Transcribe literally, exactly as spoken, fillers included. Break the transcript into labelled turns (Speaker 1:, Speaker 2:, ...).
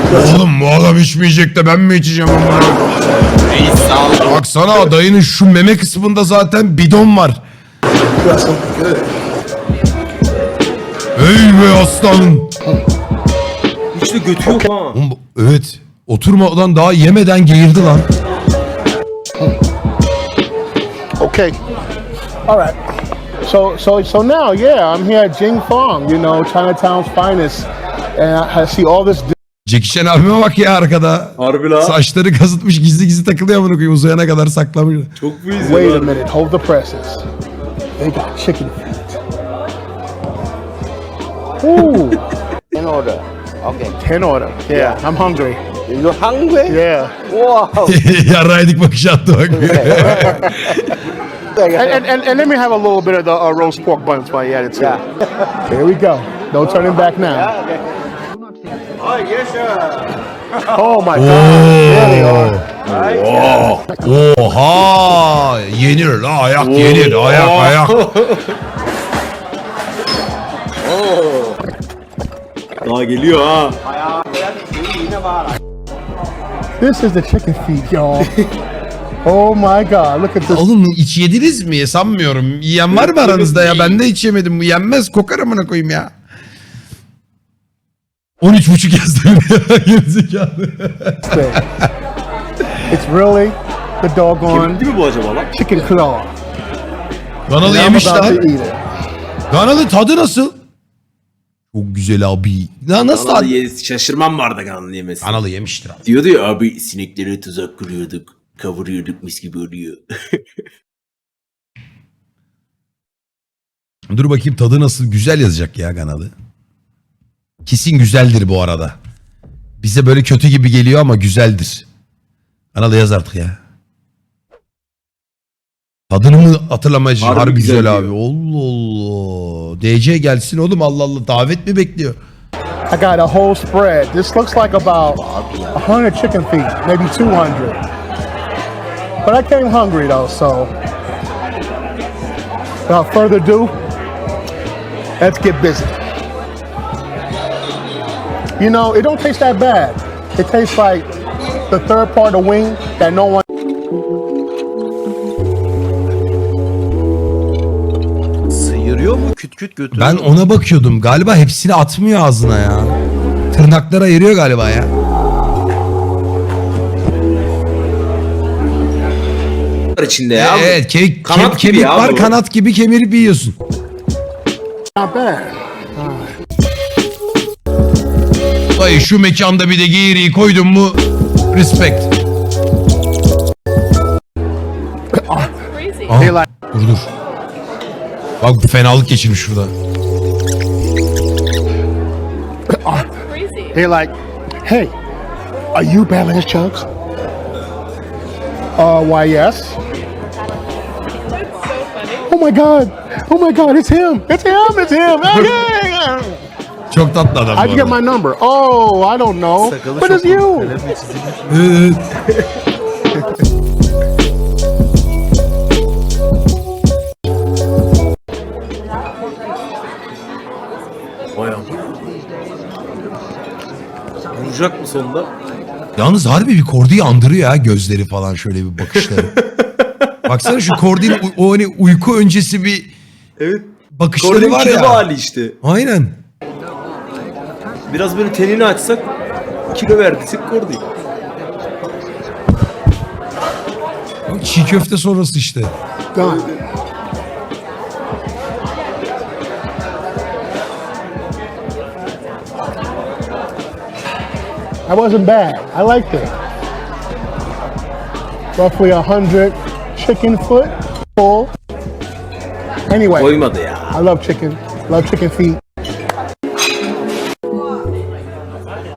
Speaker 1: Oğlum bu adam içmeyecek de ben mi içeceğim onları?
Speaker 2: Reis sağ ol.
Speaker 1: Baksana dayının şu meme kısmında zaten bidon var. Ey be aslanım.
Speaker 2: Hiç de götü yok ha.
Speaker 1: Oğlum bu- Evet. Oturmadan daha yemeden geğirdi lan.
Speaker 3: Okay. All right. So so so now, yeah, I'm here at Jing Fong, you know, Chinatown's finest, and I, I see all this.
Speaker 1: Jackie Chan abime bak ya arkada.
Speaker 2: Harbi la.
Speaker 1: Saçları kazıtmış gizli gizli takılıyor amına koyayım uzayana kadar saklamış.
Speaker 2: Çok bu
Speaker 3: Wait a
Speaker 2: izliyorlar.
Speaker 3: minute, hold the presses. They got chicken feet. Ooh,
Speaker 4: In order. Okay.
Speaker 3: ten order. Yeah, I'm hungry.
Speaker 4: You hungry?
Speaker 3: Yeah.
Speaker 4: Wow.
Speaker 1: Yarraydık bakış attı bak.
Speaker 3: And, and, and, and let me have a little bit of the uh, roast pork buns while you're at it too.
Speaker 4: Yeah.
Speaker 3: Here we go. No turning back now.
Speaker 4: Oh, yes, sir.
Speaker 3: Oh my God. There they are.
Speaker 1: Oha! Yenir la ayak yenir ayak ayak.
Speaker 2: Daha geliyor ha.
Speaker 3: This is the chicken feet, y'all. Oh my God, look at this.
Speaker 1: Oğlum hiç yediniz mi? Sanmıyorum. Yiyen var mı aranızda ya? Ben de hiç yemedim. Bu yenmez. Kokar amına koyayım ya. on üç buçuk yazdım ya. Gerizekalı.
Speaker 3: thing. It's really the doggone
Speaker 2: Kemikli mi bu acaba lan?
Speaker 3: chicken claw.
Speaker 1: Kanalı
Speaker 3: And I'm
Speaker 1: yemiş
Speaker 3: about to
Speaker 1: lan.
Speaker 3: eat it.
Speaker 1: Kanalı tadı nasıl? Çok güzel abi. Ya nasıl
Speaker 2: Kanalı
Speaker 1: tadı?
Speaker 2: ye- şaşırmam vardı kanalı yemesi.
Speaker 1: Kanalı yemiştir abi.
Speaker 2: Diyordu ya abi sineklere tuzak kuruyorduk. Kavuruyorduk mis gibi oluyor.
Speaker 1: Dur bakayım tadı nasıl? Güzel yazacak ya kanalı. Kesin güzeldir bu arada. Bize böyle kötü gibi geliyor ama güzeldir. Kanalı yaz artık ya. Tadını mı hatırlamayacağım?
Speaker 2: Harbi
Speaker 1: Harbi,
Speaker 2: güzel
Speaker 1: güzel, abi.
Speaker 2: diyor.
Speaker 1: Allah Allah. D C gelsin oğlum Allah Allah. Davet mi bekliyor?
Speaker 3: I got a whole spread. This looks like about a hundred chicken feet, maybe two hundred. But I came hungry though, so without further ado, let's get busy. You know, it don't taste that bad. It tastes like the third part of wing that no one.
Speaker 2: Sıyırıyor mu küt küt götürüyor.
Speaker 1: Ben ona bakıyordum. Galiba hepsini atmıyor ağzına ya. Tırnakları ayırıyor galiba ya.
Speaker 2: var içinde ya.
Speaker 1: Evet ke-
Speaker 2: Kanat
Speaker 1: ke-
Speaker 2: gibi
Speaker 1: kemik
Speaker 2: ya
Speaker 1: var
Speaker 2: bu.
Speaker 1: kanat gibi kemirip yiyorsun.
Speaker 3: Not bad.
Speaker 1: Dayı şu mekanda bir de geğiriyi koydun mu respect. Aha,
Speaker 3: They like
Speaker 1: dur dur. Bak bu fenalık geçirmiş şurada.
Speaker 3: they're like, hey, are you Balance Chunks? Uh, why yes. Oh my God! Oh my God! It's him! It's him! It's him! Okay.
Speaker 1: Çok tatlı adam bu
Speaker 3: How'd you get
Speaker 1: arada.
Speaker 3: my number? Oh, I don't know. But it's you.
Speaker 1: Evet.
Speaker 2: Vay am- Vuracak mı sonunda?
Speaker 1: Yalnız harbi bir Kordi'yi andırıyor ha gözleri falan şöyle bir bakışları. Baksana şu Kordi'nin u- o hani uyku öncesi bir
Speaker 2: Evet.
Speaker 1: bakışları
Speaker 2: Kordi'nin
Speaker 1: var
Speaker 2: kilo
Speaker 1: ya.
Speaker 2: hali işte.
Speaker 1: Aynen.
Speaker 2: Biraz böyle tenini açsak kilo verdiysek Kordi.
Speaker 1: Çiğ köfte sonrası işte.
Speaker 3: Done. That wasn't bad. I liked it. Roughly a hundred chicken foot full. Anyway,
Speaker 2: Koymadı ya.
Speaker 3: I love chicken. Love chicken feet.